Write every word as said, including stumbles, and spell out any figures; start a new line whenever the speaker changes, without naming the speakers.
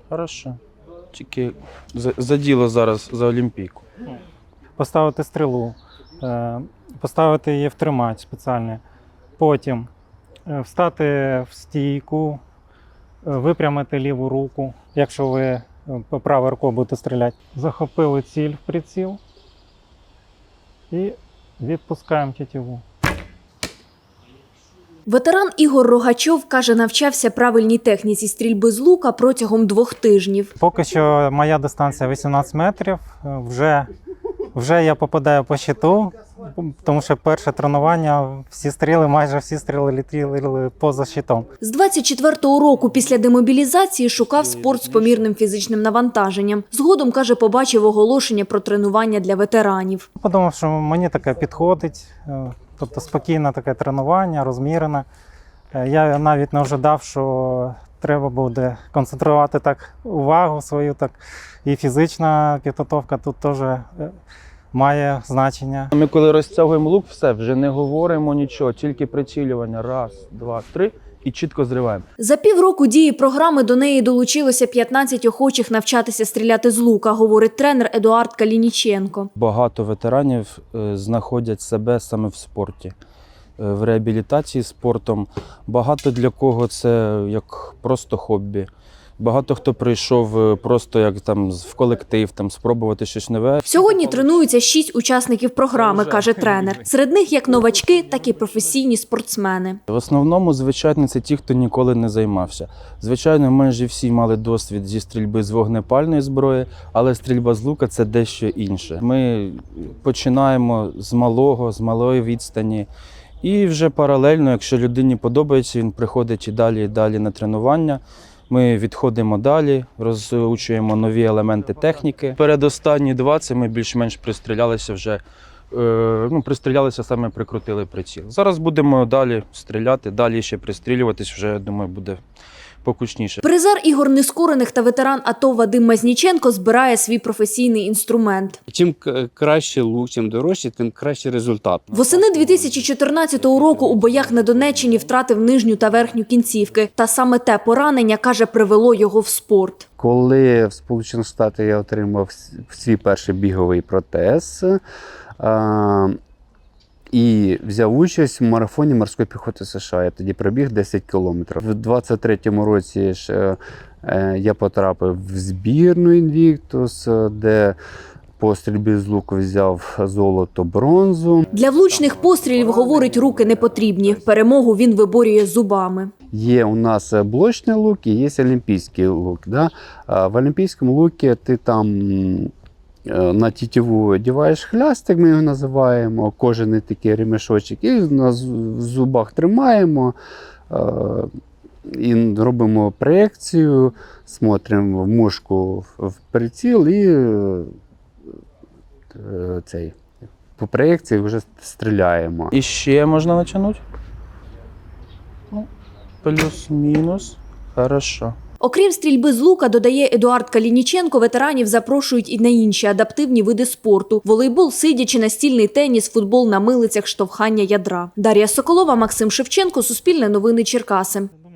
Хорошо. Тільки за, за діло зараз, за Олімпійку.
Поставити стрілу, е, поставити її в тримач спеціальний. Потім е, встати в стійку, е, випрямити ліву руку, якщо ви е, правою рукою будете стріляти. Захопили ціль в приціл і відпускаємо тетиву.
Ветеран Ігор Рогачов, каже, навчався правильній техніці стрільби з лука протягом двох тижнів.
Поки що моя дистанція вісімнадцять метрів, вже, вже я попадаю по щиту, тому що перше тренування, всі стріли, майже всі стріли летіли поза щитом.
З двадцять четвертого року після демобілізації шукав спорт з помірним фізичним навантаженням. Згодом, каже, побачив оголошення про тренування для ветеранів.
Подумав, що мені таке підходить, тобто спокійне таке тренування, розмірене. Я навіть не ожидав, що треба буде концентрувати так увагу свою, так і фізична підготовка тут теж має значення.
Ми коли розтягуємо лук, все, вже не говоримо нічого, тільки прицілювання. Раз, два, три і чітко зриваємо.
За півроку дії програми до неї долучилося п'ятнадцять охочих навчатися стріляти з лука, говорить тренер Едуард Калініченко.
Багато ветеранів знаходять себе саме в спорті, в реабілітації спортом. Багато для кого це як просто хобі. Багато хто прийшов просто як там в колектив, там спробувати щось нове.
Сьогодні тренуються шість учасників програми, каже тренер. Серед них як новачки, так і професійні спортсмени.
В основному, звичайно, це ті, хто ніколи не займався. Звичайно, майже всі мали досвід зі стрільби з вогнепальної зброї, але стрільба з лука – це дещо інше. Ми починаємо з малого, з малої відстані. І вже паралельно, якщо людині подобається, він приходить і далі, і далі на тренування. Ми відходимо далі, розучуємо нові елементи техніки. Передостанні два – це ми більш-менш пристрілялися вже, ну, пристрілялися, саме прикрутили приціл. Зараз будемо далі стріляти, далі ще пристрілюватись, вже, я думаю, буде покучніше.
Призер ігор нескорених та ветеран АТО Вадим Мазніченко збирає свій професійний інструмент.
Чим краще лук, чим дорожче, тим кращий результат.
Восени дві тисячі чотирнадцятого року у боях на Донеччині втратив нижню та верхню кінцівки. Та саме те поранення, каже, привело його в спорт.
Коли в Сполучених Штатах я отримав свій перший біговий протез, а, і взяв участь в марафоні морської піхоти США. Я тоді пробіг десять кілометрів. У двадцять третьому році ж, е, я потрапив в збірну Invictus, де по стрільбі з луку взяв золото, бронзу.
Для влучних пострілів, говорить, руки не потрібні. Перемогу він виборює зубами.
Є у нас блочний лук і є олімпійський лук. Да? В олімпійському лукі ти там на тітиву одягаєш хлястик, ми його називаємо, кожаний такий ремешочок, і на зубах тримаємо, і робимо проекцію, смотримо в мушку в приціл і цей, по проекції вже стріляємо.
І ще можна натягнути? Плюс-мінус. Хорошо.
Окрім стрільби з лука, додає Едуард Калініченко, ветеранів запрошують і на інші адаптивні види спорту – волейбол, сидячи, настільний теніс, футбол на милицях, штовхання ядра. Дар'я Соколова, Максим Шевченко, Суспільне новини, Черкаси.